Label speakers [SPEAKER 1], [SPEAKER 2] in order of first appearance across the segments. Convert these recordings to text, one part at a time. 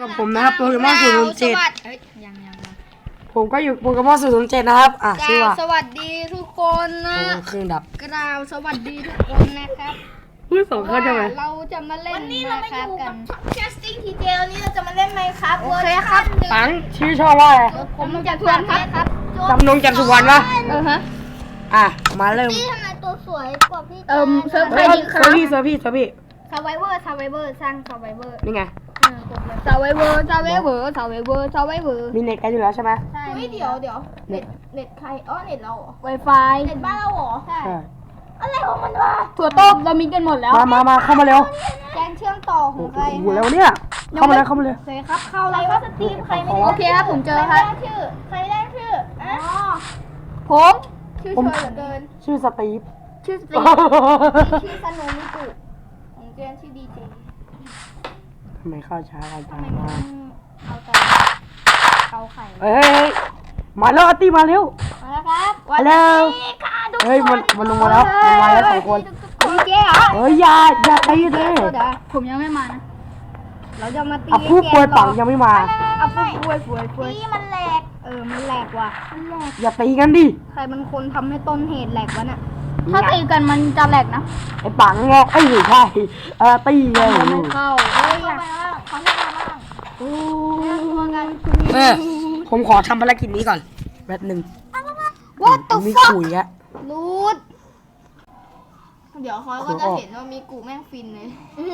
[SPEAKER 1] กับผมนะครับโปเกมอน007
[SPEAKER 2] ยัง
[SPEAKER 1] ผมก็อยู่โปเกมอน007นะครับชื่อว่า
[SPEAKER 2] สวัสดีทุกคนนะ
[SPEAKER 1] เครื่องดับ
[SPEAKER 2] กล่าวสวัสดีทุกคนนะครับ
[SPEAKER 1] พูดสองคนใช่ไหม
[SPEAKER 2] เราจะมาเล่น
[SPEAKER 3] วันนี้เรามาอยู่
[SPEAKER 2] กั
[SPEAKER 3] กัน บแคสติ้งทีเจวันนี้เราจะมาเล่นไมค์ครับ
[SPEAKER 2] โอเคครับ
[SPEAKER 1] ปังชื่อชอบว่าอะไร
[SPEAKER 2] ผมจะทวนครับ
[SPEAKER 1] จำนงจันทร์สุวรรณปะ
[SPEAKER 2] ฮะ
[SPEAKER 1] มาเริ่ม
[SPEAKER 3] พี่ทำไมตัวสวยกว่าพี่
[SPEAKER 2] เซิร์ฟใครดีครั
[SPEAKER 1] เซอร์พี่
[SPEAKER 2] ซาว
[SPEAKER 3] ไวเวอร์สร้างซาไวเวอร์
[SPEAKER 1] นี่ไง
[SPEAKER 2] ซาไวเวอร์
[SPEAKER 1] มีเน็ตกันอยู่แล้วใช่ไหม
[SPEAKER 3] ใช่เดี๋ยวเน็ตใครเน็ตเราเหรอ
[SPEAKER 2] Wi-Fi
[SPEAKER 3] เน็ตบ้านเราเหรอใช่อะไรของมันวะ
[SPEAKER 2] ถั่วต้มเรามีกันหมดแล้ว
[SPEAKER 1] มาเข้ามาเร็ว
[SPEAKER 3] แกงเชื่อมต่อของใคร
[SPEAKER 1] โอ้โหแล้วเนี่ยเข้ามาเลย
[SPEAKER 2] โอเคครับเข้า
[SPEAKER 3] ใคร
[SPEAKER 2] แล้วค
[SPEAKER 3] ว่า
[SPEAKER 2] รับ
[SPEAKER 3] สตรีมใครไม่
[SPEAKER 2] โอเคครับผมเจอครับ
[SPEAKER 3] ใครได้ชื่อ
[SPEAKER 2] ผม
[SPEAKER 3] ชื่อช่วยเหลือเกิน
[SPEAKER 1] ชื่อสตีฟ
[SPEAKER 2] ชื่อสตีฟ
[SPEAKER 3] ชื่อสโนมิกุของเจนชื่อดีเจ
[SPEAKER 1] ทำไมเข้าช้ากันจัง
[SPEAKER 3] เอาแต่เกาไข่
[SPEAKER 1] เฮ้ยมาแล้วอาร์ตี้มาเร็ว
[SPEAKER 3] มาแล้วครับ
[SPEAKER 1] มาแล้วเฮ้ยมันลงมาแล้วสองคน
[SPEAKER 2] ดีเจเหรอ
[SPEAKER 1] เฮ้ยอย่าตีเลย
[SPEAKER 2] ผมยังไม่มานะเราจะมาตี
[SPEAKER 1] ผู้ป่วยปังยังไม่มา
[SPEAKER 2] ผู้ป่วย
[SPEAKER 3] นี่มันแหลก
[SPEAKER 2] มันแหลกว่ะ
[SPEAKER 1] อย่าตีกันดิ
[SPEAKER 2] ใครมันคนทำให้ต้นเหตุแหลกวะเนี่ยถ้าตีกันมันจะแหลกนะ
[SPEAKER 1] ไอ้ปังไงไอ้หรือใช่ตีไง
[SPEAKER 2] ไม่เข้า
[SPEAKER 3] เข้าไปบ้างเขาไม่มาบ้าง
[SPEAKER 1] ผมขอทำภารกิจนี้ก่อนแป๊บนึง
[SPEAKER 2] What the
[SPEAKER 1] มี
[SPEAKER 2] fuck
[SPEAKER 1] คุยอะ
[SPEAKER 2] รูด
[SPEAKER 3] เดี๋ยวเขาก็จะเห็นว่ามีกูแม่งฟินเลย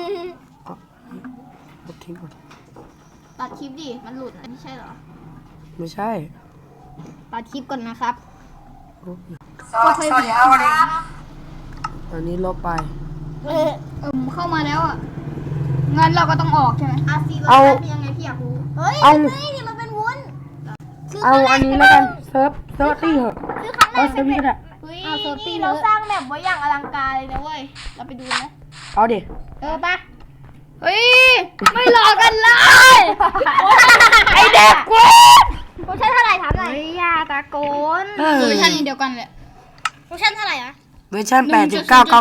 [SPEAKER 1] ทิ้งก่อน
[SPEAKER 3] ตัดคลิปดิ มันหลุดไม่ใช่เหรอ
[SPEAKER 1] ไม่ใช่
[SPEAKER 2] ตัดคลิปก่อนนะครับ
[SPEAKER 1] สวัสดีครับวันนี้ตอนนี้ลบไป
[SPEAKER 2] เข้ามาแล้วอ่ะงั้นเราก็ต้องออกใช่ไหม
[SPEAKER 3] ซีเราเป็นยังไงพี่อยากรู้เฮ้ยนี่มันเป็นวุ้น
[SPEAKER 1] เอาอันนี้แล้วกันเซิร์ฟตี้เหอะ
[SPEAKER 3] คือครั้งแรก
[SPEAKER 1] เซิร์ฟตี้ก็ได้
[SPEAKER 3] นี่เราสร้างแบบไว้อย่างอลังการเลยนะเว้ย เราไปดูนะ
[SPEAKER 1] เอาดิ
[SPEAKER 2] ปะเฮ้ยไม่หลอกกันเลย ไอเด็กกู
[SPEAKER 3] โปรชั่นเท่าไหร่ถามหน่อย
[SPEAKER 2] เฮ้ยยาตะโกน
[SPEAKER 1] เออ
[SPEAKER 2] เวอร์ชันนี้เดียวกันเลย
[SPEAKER 3] โปรชั่นเท่าไหร่อะ
[SPEAKER 1] เวอร์ชัน8.9 9 9 9 9 9 9 9 9 9 9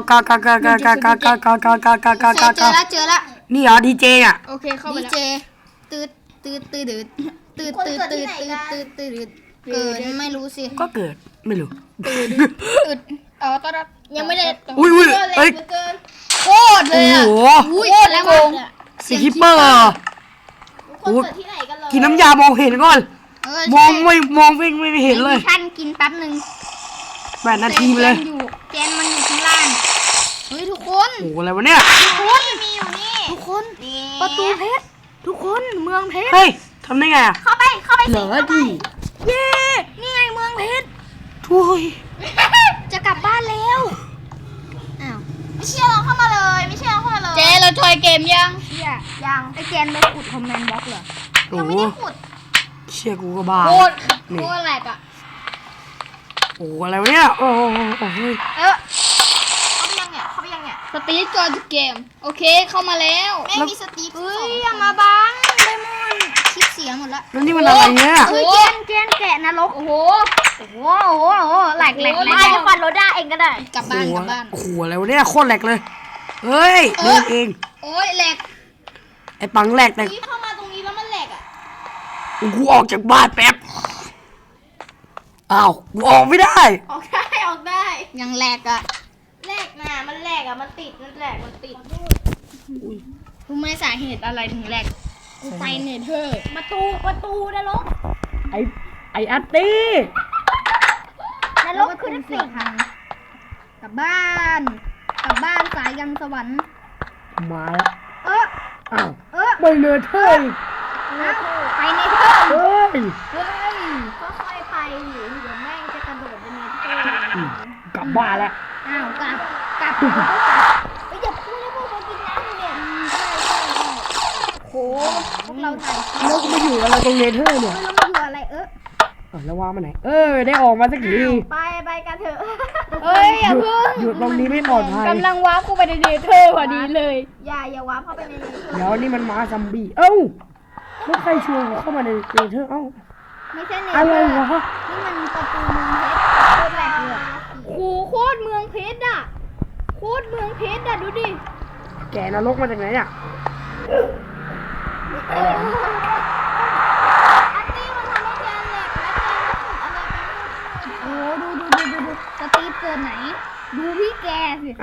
[SPEAKER 2] เจอละ
[SPEAKER 1] นี่เหรอดีเจอ่ะ
[SPEAKER 2] โอเคเข้าไปแล้วตืดเกิดไม่รู้สิ
[SPEAKER 1] ก็เกิดไม่รู้
[SPEAKER 2] ตืดตอนยังไม่ได้
[SPEAKER 1] อุ้ยเอ้ย
[SPEAKER 2] โคตรเลย
[SPEAKER 1] โอ้
[SPEAKER 2] อ่ะ
[SPEAKER 1] โห
[SPEAKER 2] อุ้ยแล้วโกง
[SPEAKER 1] สีคิปเปอร์
[SPEAKER 3] คนเกิดที่ไหนกันเลย
[SPEAKER 1] กินน้ำยามองเห็นก่อนมองไม่เห็นเลย
[SPEAKER 2] ท่านกินแป๊บนึง
[SPEAKER 1] 8 นาทีไปเลย
[SPEAKER 2] แกนมันอยู่ข้างล่างเฮ้ยทุกคน
[SPEAKER 1] โอ้อะไรวะเนี่ย
[SPEAKER 3] มีอยู่นี่
[SPEAKER 2] ทุกคนประตูเพชรทุกคนเมืองเพชร
[SPEAKER 1] เฮ้ยทำได้ไงอ่ะ
[SPEAKER 3] เข้าไป
[SPEAKER 1] เหลือดิ
[SPEAKER 2] เย้นี่ไงเมืองเพชร
[SPEAKER 1] ทุย
[SPEAKER 2] จะกลับบ้านแล้วอ้าว
[SPEAKER 3] ไม่เชื่อเราเข้ามาเลยไม่เชื่อเราเข้ามาเลย
[SPEAKER 2] เจเราจอยเกมยัง
[SPEAKER 3] ยัง
[SPEAKER 2] ไอแกนไปขุดคอมเมนต์บล็อกเหรอ
[SPEAKER 1] โอ้
[SPEAKER 3] ยัง
[SPEAKER 1] โห
[SPEAKER 3] ไม่ได้ขุด
[SPEAKER 1] เชี่ยกูก็บ้า
[SPEAKER 2] โคตร
[SPEAKER 1] นี่
[SPEAKER 2] แหลกอ่ะ
[SPEAKER 1] โอ้อะไรวะเนี่ยโอ้โห
[SPEAKER 3] เข้าไปยังเนี่ย
[SPEAKER 2] สตีฟจอยเกมโอเคเข้ามาแล้ว
[SPEAKER 3] แม่มีสตีฟ
[SPEAKER 2] เฮ้ยอย่ามาบังเลมอนคลิปเสียหมดละ
[SPEAKER 1] แล้วนี่มันอะไรเนี่ย
[SPEAKER 2] เฮ้ยแกนแกะนรกโอ้โหแหลก
[SPEAKER 3] มาจะฟันโรด้าเองก็ได้
[SPEAKER 2] กลับบ้าน
[SPEAKER 1] โอ้โหอะไรวะเนี่ยโคตรแหลกเลยเฮ้ยเดินเอง
[SPEAKER 2] โอ้ยแหลก
[SPEAKER 1] ไอ้ปังแหลกแต่
[SPEAKER 3] พี่เข้ามาตรงนี้แล้วมันแหลกอ่ะ
[SPEAKER 1] กูออกจากบ้านแป๊บอ้าวกูออกไม่ได้
[SPEAKER 3] ออกได้
[SPEAKER 2] ยังแหลกอ่ะ
[SPEAKER 3] แหลกนะมันแหลกอ่ะมันติดมันแหลกมันติด
[SPEAKER 2] รู้ไหมสาเหตุอะไรถึงแหลกไปเนเธอร์
[SPEAKER 3] ประตูนรก
[SPEAKER 1] ไอ้อาร์ตี้
[SPEAKER 3] นรกคือนักสิ่ง
[SPEAKER 2] กลับบ้านสายยังสวรรค์
[SPEAKER 1] มาแล้ว อ้าว
[SPEAKER 2] เออ
[SPEAKER 1] ไม่เนื้อเท่ย
[SPEAKER 2] ไปเนเธอร์
[SPEAKER 1] เฮ้ย
[SPEAKER 3] ก็ค่อยไปอยู่เดี๋ยวแม่งจะกระโดดไปในที่
[SPEAKER 1] กลับบ้านแล้ว
[SPEAKER 2] อ้าวกลับ
[SPEAKER 3] เฮ้ยอย่าพูดเลยพวกเรากินน้ำเนี่ย
[SPEAKER 2] โหพวกเราถ่ายคลิป
[SPEAKER 1] แล้วมาอยู่กับเราตรงเนเธอร์เนี่ย
[SPEAKER 2] แล้วมาอยู่อะไร
[SPEAKER 1] แล้วว่ามาไหนได้ออกมาสักที
[SPEAKER 3] ไปกันเถอะ
[SPEAKER 2] เอ้ยอย่าเพิ่ง
[SPEAKER 1] อยู่ตรงนี้ไม่ปลอดภัย
[SPEAKER 2] กำลังว้าเข้าไปในเนเธอร์พอดีเลย
[SPEAKER 3] อย่าวาร์ปเข้าไปในนี้
[SPEAKER 1] เดี๋ยวนี่มันมาซัมบี้เอ้าแล้วใครชวนกูเข้ามาในเนเธอร์เอ้า
[SPEAKER 2] ไม่ใช่เนเธ
[SPEAKER 1] อะไร
[SPEAKER 2] อร์
[SPEAKER 1] วะ
[SPEAKER 2] นี่มันประตูเมืองเพชรโคตรแหลกเลยโคตรเมืองเพชรอ่ะดูดิ
[SPEAKER 1] แกนรกมาจากไหนเนี่ย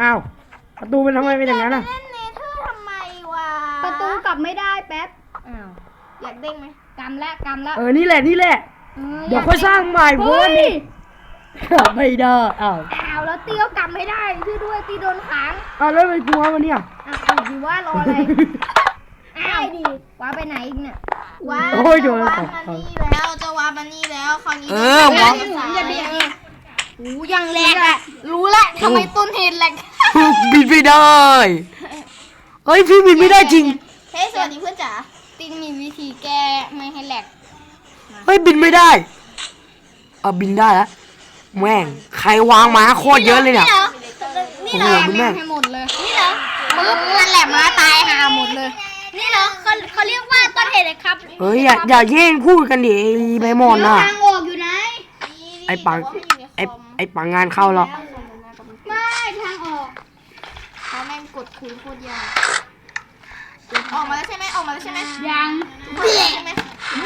[SPEAKER 1] อ้าวประตูเป็นทำไมเป็นอย่างนั้นอ่ะ
[SPEAKER 3] เล่นเนเธอร์ทำไมวะ
[SPEAKER 2] ประตูกลับไม่ได้แป๊บ
[SPEAKER 3] อ้าวอยากเด้งไหม
[SPEAKER 2] กำแล้วกำแล้ว
[SPEAKER 1] นี่แหละนี่แหละ เดี๋ยวค่อยสร้างใหม่เพราะ
[SPEAKER 2] เฮ้
[SPEAKER 1] ว่าย นี่ไม่ได้อ้าว
[SPEAKER 2] อ้าวแล้วตีก็กำไม่ได้ช่วยด้วยตีโดนขัง
[SPEAKER 1] แล้วไปกลัวมันเนี่ย
[SPEAKER 2] อ้าวเอาดีว่ารออะไรอ้าวดิว่าไปไหนอีกเนี่ย
[SPEAKER 3] ว้า
[SPEAKER 1] โอ้ยโดน
[SPEAKER 3] จะ
[SPEAKER 1] ข
[SPEAKER 3] วา
[SPEAKER 1] อง
[SPEAKER 3] มา
[SPEAKER 1] เขา
[SPEAKER 3] นี่แล้วจะวามานี่แล้วคราวนี้
[SPEAKER 1] วาง
[SPEAKER 2] อย่าเบียดหูยังแหลกอะรู้ละทำไมต้นเหตุแหลก
[SPEAKER 1] บินไม่ได้เฮ้ยพี่บินไม่ได้จริง
[SPEAKER 3] เฮ้ยสวัสดีเพื่อนจ๋า
[SPEAKER 2] ตินมีวิธีแก้ไม่ให้แหลก
[SPEAKER 1] เฮ้ยบินไม่ได้บินได้แล้วแม่งใครวางม้าโคตรเยอะเลยเนี่ย
[SPEAKER 3] นี่
[SPEAKER 1] โอ้
[SPEAKER 3] เห
[SPEAKER 1] โห
[SPEAKER 3] รอ
[SPEAKER 1] ดูแม่ง
[SPEAKER 2] ให้หมดเลย
[SPEAKER 3] นี่เหรอ
[SPEAKER 2] ปึ๊บนั่นแหละม้าตายหาหมดเลย
[SPEAKER 3] นี่เหรอเขาเรียกว่าต้นเหตุเลยครับ
[SPEAKER 1] เฮ้ยอย่าแย่งพูดกันดิไอ้ใบหมอนน่ะ
[SPEAKER 2] ทางออกอยู่ไหน
[SPEAKER 1] ไอ้ปังไอ้ปังงานเข้าแล้ว
[SPEAKER 2] ไม่ทางออก
[SPEAKER 3] เขาแม่งกดคุยโคตรยากออกมาแล้วใช่ไหมออกมาแล้วใช่ไหม
[SPEAKER 2] ยัง
[SPEAKER 3] ใช่ไหม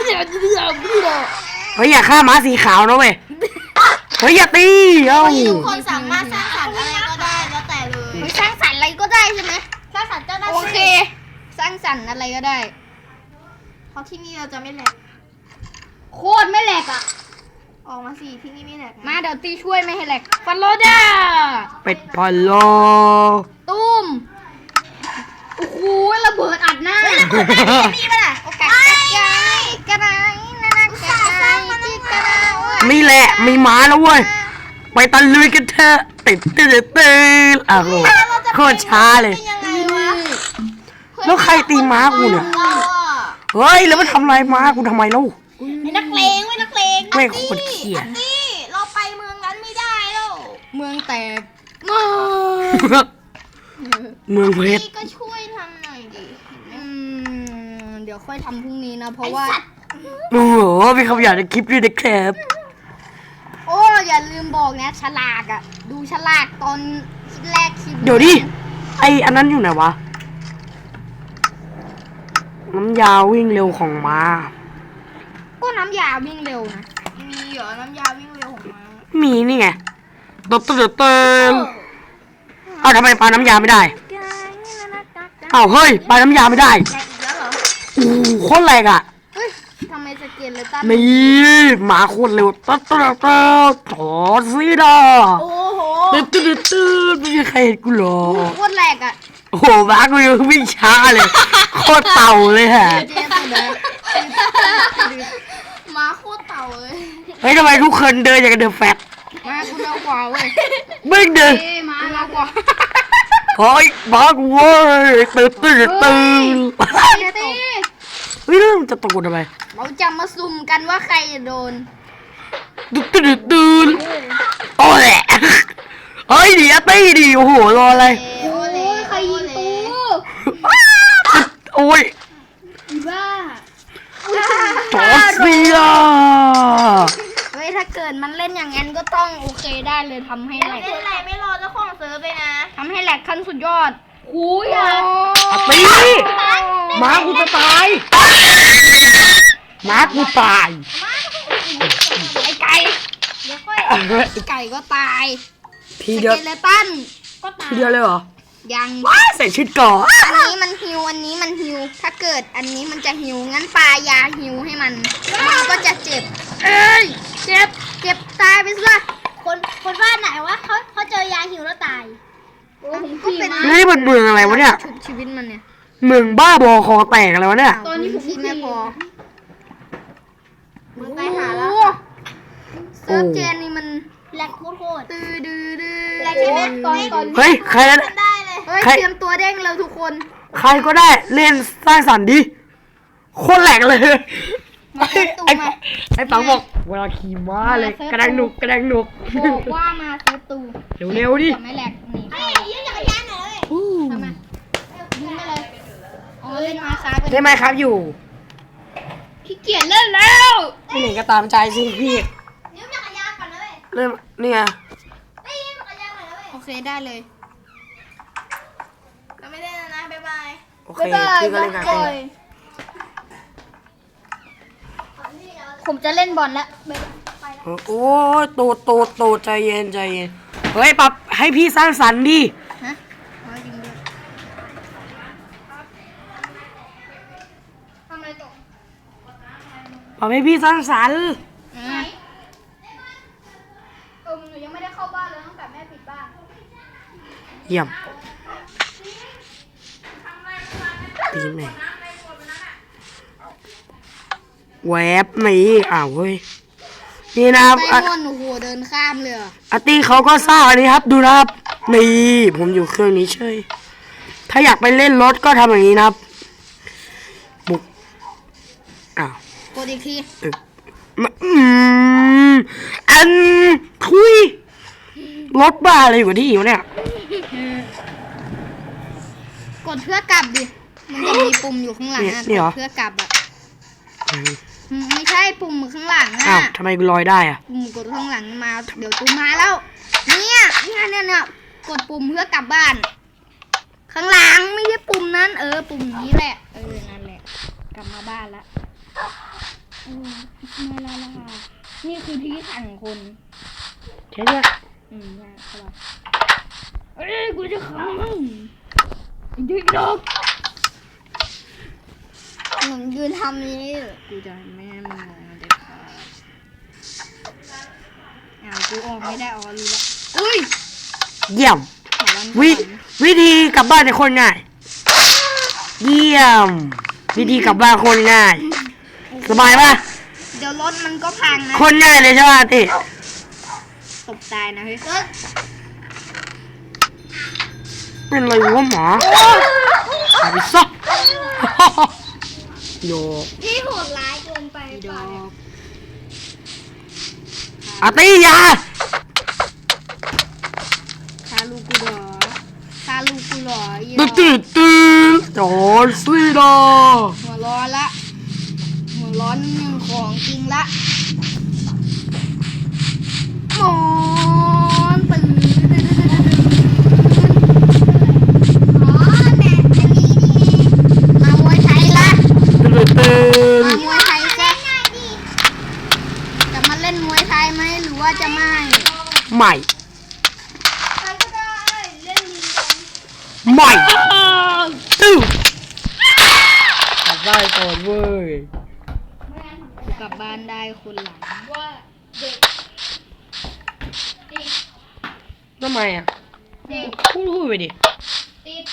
[SPEAKER 1] เฮ้ยอย่าฆ่าม้าสีขาวนะเว้ยเฮ้ยอย่าตีเอ้า
[SPEAKER 3] ทุกคนสามารถสร้างสรรค์อะไรก็ได้แล้วแต่เลย
[SPEAKER 2] เฮ้ยสร้างสรรค์อะไรก็ได้ใช่ไหม
[SPEAKER 3] สร้างสรรค์เจ้าหน้า
[SPEAKER 2] โอ
[SPEAKER 3] ที่
[SPEAKER 2] เค สร้างสรรค์อะไรก็ได้
[SPEAKER 3] เพราะที่นี่เราจะไม่แหลก
[SPEAKER 2] โคตรไม่แหลกอ่ะ
[SPEAKER 3] ออกมาสิที่นี่ไม่แหลกนะ
[SPEAKER 2] มาเดี๋ยวตีช่วยไม่ให้แหลกฟันโลด้า
[SPEAKER 1] เป็ดพอลโล
[SPEAKER 2] ตุ้มโอ้โหระเบิดอัดหน้า
[SPEAKER 3] มีป่ะล่ะ
[SPEAKER 2] โอกาสกระไรนะนะกระไรที่กระไร
[SPEAKER 1] นี่แหละมีม้าแล้วเว้ยไปตะลุยกันเถอะติดอ้าวโคตรช้าเลย
[SPEAKER 3] เป็นยังไงวะ
[SPEAKER 1] แล้วใครตีม้ากูเนี่ย
[SPEAKER 3] เราอะ
[SPEAKER 1] เฮ้ยแล้วมันทำลายม้ากูทำไมเล่า
[SPEAKER 3] ไอ้นักเลงไว้นักเลง
[SPEAKER 1] ไม่โคตรเกลียด
[SPEAKER 3] อันนี้เราไปเมืองนั้นไม่ได้แล้ว
[SPEAKER 2] เมืองแตก
[SPEAKER 1] เมืองเพชร
[SPEAKER 3] พี่ก็ช่วยทำหน่อยดิ
[SPEAKER 2] เดี๋ยวค่อยทำพรุ่งนี้นะเพราะว่า
[SPEAKER 1] โอ้โหมีคำหยาบในคลิปด้วยนะครับ
[SPEAKER 2] โอ้อย่าลืมบอกนะฉลากอ่ะ ดูฉลากตอนแรกคลิป
[SPEAKER 1] เดี๋ยวดิไออันนั้นอยู่ไหนวะน้ำยาวิ่งเร็วของม้า
[SPEAKER 2] ก็น้ำยาวิ่งเร็วนะ
[SPEAKER 3] มีเหรอน้ำยาวิ่งเร็วของม้า
[SPEAKER 1] มีนี่ไงเติมเอาทำไมปลาน้ำยาไม่ได้เอาเฮ้ยปลาน้ำยาไม่ได้
[SPEAKER 3] แหลกอีกแล้วเหรอ
[SPEAKER 1] โอ้โหโคตรแรงอ่ะ
[SPEAKER 2] เฮ้ยทำไมสเกลเลยตั้น
[SPEAKER 1] นี่หมาโคตรเร็วถอดซีดา
[SPEAKER 3] โอ้โห
[SPEAKER 1] ไม่มีใครเห็นกูหรอก
[SPEAKER 2] โคตรแหลกอ่ะ
[SPEAKER 1] โอ้โหม้ากูยังวิ่งช้าเลยโคตรเต่าเลยฮะ
[SPEAKER 2] เจ๊ตัวเด้อ
[SPEAKER 3] ม้าโคตรเต่าเลย
[SPEAKER 1] เฮ้ยทำไมทุกคนเดินอย่างกับเดินแฟต
[SPEAKER 2] มากูเร็วกว่าเว้ย
[SPEAKER 1] ไม่เดิน
[SPEAKER 2] เอ้มาเร็วกว่า
[SPEAKER 1] เฮ้ยม้ากูเว้ยตื่น
[SPEAKER 2] ตี
[SPEAKER 1] เฮ้ยแล้วมันจะตะโกนทำไม
[SPEAKER 2] เราจะมาสุ่มกันว่าใครจะโดน
[SPEAKER 1] ตื่นโอ้แหละเฮ้ยเดี๋ยวตีดิโอ้โหรออะไร
[SPEAKER 2] โอ้ยใครยิงตู
[SPEAKER 1] โอ้ย
[SPEAKER 2] อีบ้า
[SPEAKER 1] จอร์เซีย
[SPEAKER 2] เฮ้ยถ้าเกิดมันเล่นอย่างนั้นก็ต้องโอเคได้เลยทำให้แหลก
[SPEAKER 3] เล่นอะไรไม่รอเจ้าของเซิร์ฟเลยนะ
[SPEAKER 2] ทำให้แหลกขั้นสุดยอดหูยอ่ะ
[SPEAKER 1] ตีหมากูจะตายหมากูตาย
[SPEAKER 2] ไอ้ไก่
[SPEAKER 3] เดี๋ยวค่อย
[SPEAKER 2] ไอ้ไก่ก็ตาย
[SPEAKER 1] ทีเดียว
[SPEAKER 2] สเกเลตัน
[SPEAKER 3] ก็ตาย
[SPEAKER 1] ทีเดียวเลยเหรอ
[SPEAKER 2] ยัง
[SPEAKER 1] ว้าใส่ชุดก่อน
[SPEAKER 2] อันนี้มันฮิวอันนี้มันฮิวถ้าเกิดอันนี้มันจะฮิวงั้นปลายาฮิวให้มันก็จะเจ็บ เอ้ยเจ็บตายไปซะ
[SPEAKER 3] คนบ้านไหนวะเขาเจอยาหิวแล้วตาย
[SPEAKER 2] ก็เป็น
[SPEAKER 1] เฮ้ยมันเมืองอะไรวะเนี่ย
[SPEAKER 2] ชุบชีวิตมันเนี่ย
[SPEAKER 1] เมืองบ้าบอคอแตกอะไรวะเนี่ย
[SPEAKER 2] ตอนนี้ผมไม่พอ
[SPEAKER 3] มึงตายหาแล้ว
[SPEAKER 2] เซิร์ฟเจนนี่มัน
[SPEAKER 3] แหลกโคตร
[SPEAKER 2] ดื้อ
[SPEAKER 3] แหลกใช่ไหม
[SPEAKER 1] เฮ้ยใคร
[SPEAKER 3] ทำได้เลย
[SPEAKER 2] เฮ้ย
[SPEAKER 1] ใคร
[SPEAKER 2] เตรียมตัวเด้งแล้วทุกคน
[SPEAKER 1] ใครก็ได้เล่นสร้างสรรค์ดิโคตรแหลกเลย
[SPEAKER 2] มาเซิร์ฟตู
[SPEAKER 1] ไอ้
[SPEAKER 2] มา
[SPEAKER 1] ไอ้ปังบอกเวลาขี่ม้าเลยกระดังหนุก
[SPEAKER 2] บอกว่ามาเซิร์ฟตู
[SPEAKER 1] เร็วๆดิ
[SPEAKER 2] จะไม่แหลกหนี
[SPEAKER 3] ไอ้
[SPEAKER 2] เข้า
[SPEAKER 3] ยืนจักรยานหน่อยเลย
[SPEAKER 2] ทำไมยิงไปเลยอ๋อเล่นมาซ้ายไป
[SPEAKER 1] ได้ไหมครับอยู่
[SPEAKER 2] ขี้เกียจเล่นแล้ว
[SPEAKER 1] ที่ไหนก็ตามใจสิพี่
[SPEAKER 3] ยืมจักรยานก่อนนะเลย
[SPEAKER 1] เริ่มนี่ไง
[SPEAKER 3] ได้ยืมจักรยานหน่อยนะเลย
[SPEAKER 2] โอเคได้เลย
[SPEAKER 3] เราไม่ได้แล้วนะบ๊ายบาย
[SPEAKER 1] โอเคพี่ก็เล่นกันเอง
[SPEAKER 2] ผมจะเล่นบอลแล้ว
[SPEAKER 1] โอ้ยตูดใจเย็นเฮ้ยปรับให้พี่สร้างสรรค์ดิ
[SPEAKER 2] ฮะ
[SPEAKER 3] ตก
[SPEAKER 1] บอกให้พี่สร้างสรรค์
[SPEAKER 3] หนูยังไม่ได้เข้าบ้านเลยตั้งแต่แม่ปิดบ้าน
[SPEAKER 1] เยี่ยมตีแม่แวบนี่เว้ยนี่นะครับ
[SPEAKER 2] ไปม่อนโอ้โหเดินข้ามเลยเหรอ
[SPEAKER 1] อาร์ตี้เขาก็สร้างอันนี้ครับดูนะครับนี่ผมอยู่เครื่องนี้เฉยถ้าอยากไปเล่นรถก็ทำอย่างนี้นะครับบุก
[SPEAKER 2] กดอีกที
[SPEAKER 1] อันทุยรถบ้าอะไรอยู่ที่อยู่เนี่ย
[SPEAKER 2] กดเพื่อกลับดิมันจะมีปุ่มอยู่ข้างหลังอะ
[SPEAKER 1] นี่เหรอ
[SPEAKER 2] กดเพื่อกลับอะไม่ใช่ปุ่มข้างหลัง
[SPEAKER 1] อ้า
[SPEAKER 2] อะ
[SPEAKER 1] วทำไมกูลอยได้อะ
[SPEAKER 2] ปุ่มกดข้างหลังมาเดี๋ยวตูมาแล้วเนี่ยกดปุ่มเพื่อกลับบ้าน ข้างหลังไม่ใช่ปุ่มนั้นปุ่มนี้แหละนั่นแหละกลับมาบ้านละมาแล้วค่ะนี่คือที่ขังคน
[SPEAKER 1] ใช่ไหม
[SPEAKER 2] ใช่ครับกูจะขังมึงดึกดกหนูยืนทำนี้กูจะแม่มึงเด็กค่ะกูออกไม่ได้รู้แล้วอุ้ย
[SPEAKER 1] เยี่ยมวิธีกลับบ้านในคนง่ายเยี่ยมวิธีกลับบ้านคนง่ายสบายปะ
[SPEAKER 2] เดี๋ยวรถมันก็พังนะ
[SPEAKER 1] คนง่ายเลยใช่ป่ะติ
[SPEAKER 2] ตกตายนะเฮ้ย
[SPEAKER 1] เป็นอะไรวะหมอหายไปซะโยก
[SPEAKER 3] พี่โหดร้ายเกินไป
[SPEAKER 2] ดอก
[SPEAKER 1] อาร์ตี้ยา
[SPEAKER 2] คาลูกูดอคาลูกูหล่ออี
[SPEAKER 1] ตื่นจอร์นซีดา
[SPEAKER 2] หัวร้อนละหัวร้อนหนึ่งของจริงละหมอนตื่นแบบนี้มามวยไทยละ
[SPEAKER 1] ตื่น
[SPEAKER 2] มามวยไทยซะจะมาเล่นมวยไทยไหมหรือว่าจะไม่
[SPEAKER 1] ใหม่
[SPEAKER 3] ใครก็ได้เล่นยิงกัน
[SPEAKER 1] ใหม่ตื้อกลับบ้านก่อนเว้ย
[SPEAKER 2] กลับบ้านได้คนหลัง
[SPEAKER 3] ว่าเด็ก
[SPEAKER 1] ทำไมอ่ะ
[SPEAKER 3] เด็ก
[SPEAKER 1] พูดไปดิ
[SPEAKER 3] ติด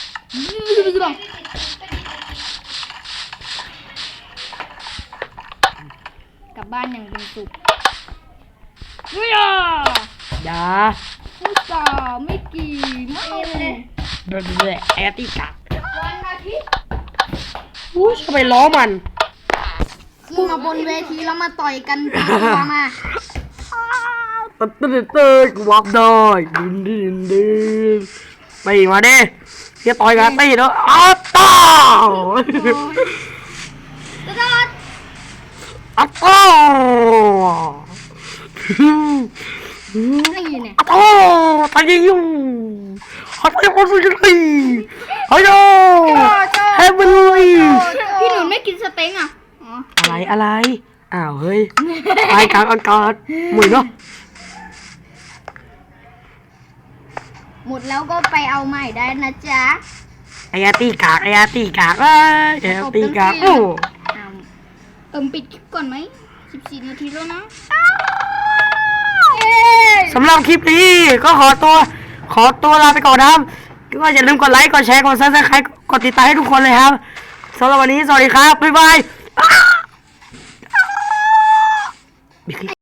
[SPEAKER 2] กลับบ้านอย่างเป็นสุข
[SPEAKER 1] อย่า
[SPEAKER 2] ผู้สาวไม่กี่ไม่เลย
[SPEAKER 1] เดินเลยแอตตี้กัด
[SPEAKER 3] วันอาทิตย์
[SPEAKER 1] อู้จะไปล้อมัน
[SPEAKER 2] ขึ้นมาบนเวทีแล้วมาต่อยกันตีตัวมา
[SPEAKER 1] ตื่นกูวับได้ดินไปมาดิเฮียต่อยกันตีแล้วอ้าวต้า
[SPEAKER 3] ตลอด
[SPEAKER 1] อ้าวต้า
[SPEAKER 2] นี่เนี่ย
[SPEAKER 1] อ้าวตายอยู่ฮัตตาคนสุดท้ายฮัลโหลเฮ้ยมันเลย
[SPEAKER 2] พี่หนุนไม่กินสเต็งอ่ะอ๋อ
[SPEAKER 1] อะไรอ้าวเฮ้ยไปกลางอากาศหมุนเนาะ
[SPEAKER 2] หมดแล้วก็ไปเอาใหม่ได้นะจ๊ะ
[SPEAKER 1] ไอ้ตีกากไอ้ตีกากไอ้ตีกากโอ้
[SPEAKER 2] ปิดคลิปก่อนไหม14 นาทีแล้วนะ
[SPEAKER 1] สำหรับคลิปนี้ก็ขอตัวลาไปก่อนนะครับก็อย่าลืมกดไลค์กดแชร์กดซับสไครต์กดติดตามให้ทุกคนเลยครับสำหรับวันนี้สวัสดีครับบ๊ายบาย